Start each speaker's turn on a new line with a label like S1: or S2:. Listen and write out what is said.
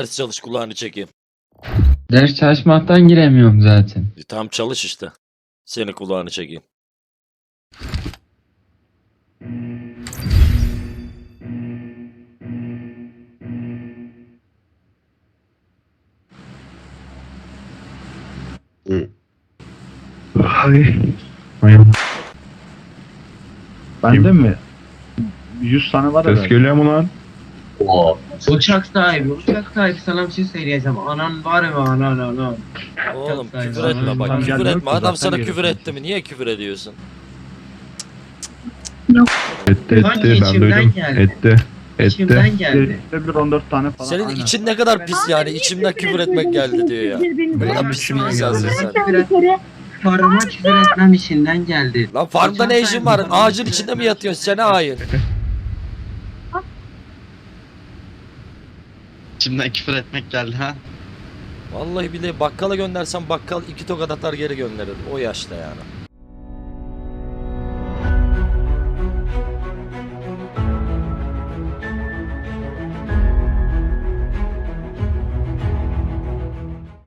S1: ders çalış kulağını çekeyim.
S2: Ders çalışmaktan giremiyorum zaten.
S1: Tam çalış işte. Seni kulağını çekeyim.
S3: Hay.
S4: Bende mi? 100 tane var
S3: Ses
S4: herhalde.
S3: geliyor mu lan?
S5: Uçak sahibi sana bir şey söyleyeceğim. Anan var mı anan?
S1: Oğlum
S5: Çok
S1: küfür
S5: saygı.
S1: etme bak,
S4: Tam
S1: küfür
S4: gelmiyor
S1: etme.
S4: ki,
S1: Adam
S4: zaten
S1: sana küfür
S4: geliyorsun.
S1: etti mi? Niye küfür ediyorsun?
S3: Etti
S5: Sanki
S3: etti ben
S5: içimden
S3: duydum.
S5: geldi.
S3: Etti. Etti.
S5: İçimden geldi.
S4: Bir 14 tane falan.
S1: Senin
S4: aynen.
S1: için ne kadar pis yani. İçimden küfür etmek geldi diyor ya. Ne kadar pis bir insansın sen.
S5: Farıma küfür etmem içinden geldi.
S1: Lan farmda ne işin var? Ağacın içinde mi yatıyorsun? Sene hayır.
S6: İçimden küfür etmek geldi ha.
S1: Vallahi bile bakkala göndersem bakkal 2 tokat atar geri gönderir. O yaşta yani.